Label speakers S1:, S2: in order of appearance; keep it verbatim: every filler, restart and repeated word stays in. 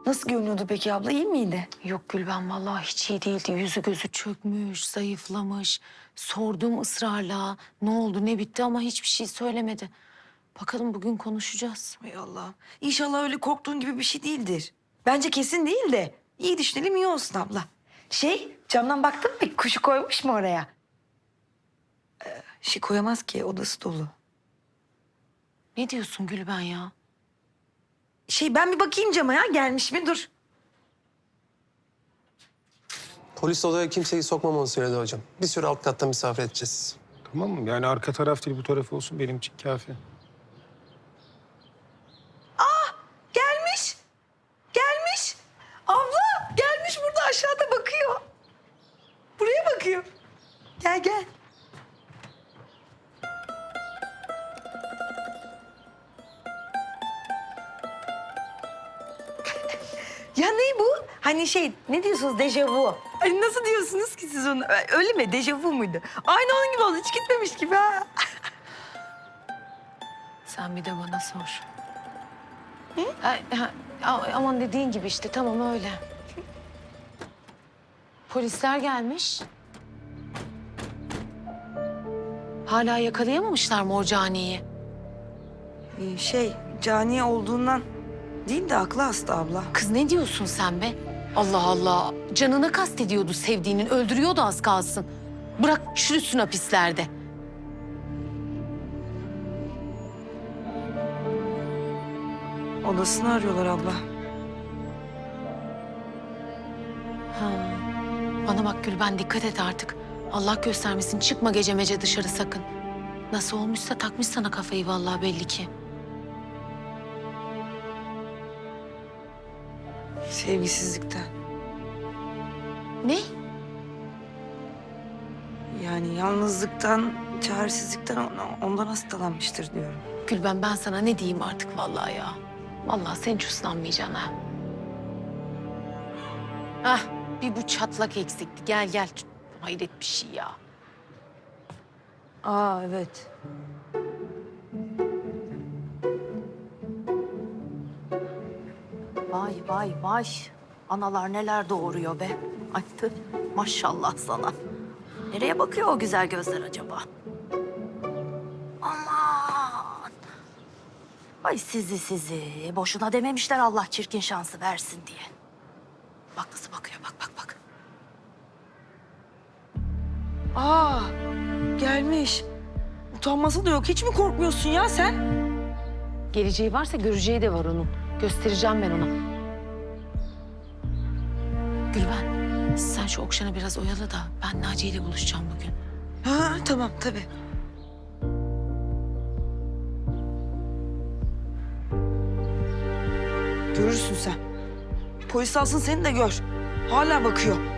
S1: Nasıl görünüyordu peki abla? İyi miydi?
S2: Yok Gülben vallahi hiç iyi değildi. Yüzü gözü çökmüş, zayıflamış. Sordum ısrarla ne oldu ne bitti ama hiçbir şey söylemedi. Bakalım bugün konuşacağız.
S1: Hay Allah. İnşallah öyle korktuğun gibi bir şey değildir. Bence kesin değil de. İyi düşünelim iyi olsun abla. Şey, camdan baktın mı peki? Kuşu koymuş mu oraya? Ee, şey koyamaz ki, odası dolu.
S2: Ne diyorsun Gülben ya?
S1: Şey, ben bir bakayım cama ya. Gelmiş mi? Dur.
S3: Polis odaya kimseyi sokmamanı söyledi hocam. Bir süre alt katta misafir edeceğiz.
S4: Tamam mı? Yani arka taraf değil bu taraf olsun benim için kafi.
S1: Gelmiş. Gelmiş. Abla gelmiş burada aşağıda bakıyor. Buraya bakıyor. Gel gel. Ya ne bu? Hani şey ne diyorsunuz dejavu? Ay nasıl diyorsunuz ki siz onu? Öyle mi? Dejavu muydu? Aynı onun gibi oldu. Hiç gitmemiş gibi ha.
S2: Sen bir de bana sor. Ay, ha, a- aman dediğin gibi işte tamam öyle. Polisler gelmiş. Hala yakalayamamışlar mı o caniyi?
S1: Ee, şey cani olduğundan değil de aklı hasta abla.
S2: Kız ne diyorsun sen be? Allah Allah. Canına kastediyordu sevdiğinin. Öldürüyordu az kalsın. Bırak çürüsün hapislerde.
S1: Odasını arıyorlar abla.
S2: Ha. Bana bak Gülben dikkat et artık. Allah göstermesin çıkma gece mece dışarı sakın. Nasıl olmuşsa takmış sana kafayı vallahi belli ki.
S1: Sevgisizlikten.
S2: Ne?
S1: Yani yalnızlıktan, çaresizlikten on- ondan hastalanmıştır diyorum.
S2: Gülben ben sana ne diyeyim artık vallahi ya. Vallahi sen hiç uslanmayacaksın ha. Hah bir bu çatlak eksikti. Gel gel. Hayret bir şey ya.
S1: Aa evet.
S5: Vay vay vay. Analar neler doğuruyor be. Ay tüh, maşallah sana. Nereye bakıyor o güzel gözler acaba? Aman. Ay sizi sizi. Boşuna dememişler Allah çirkin şansı versin diye. Bak nasıl bakıyor bak bak bak.
S1: Aa gelmiş. Utanması da yok. Hiç mi korkmuyorsun ya sen?
S2: Geleceği varsa göreceği de var onun. Göstereceğim ben ona. Gülben sen şu Okşan'ı biraz oyala da ben Naciye ile buluşacağım bugün.
S1: Ha tamam tabii. Görürsün sen. Polis alsın seni de gör. Hala bakıyor.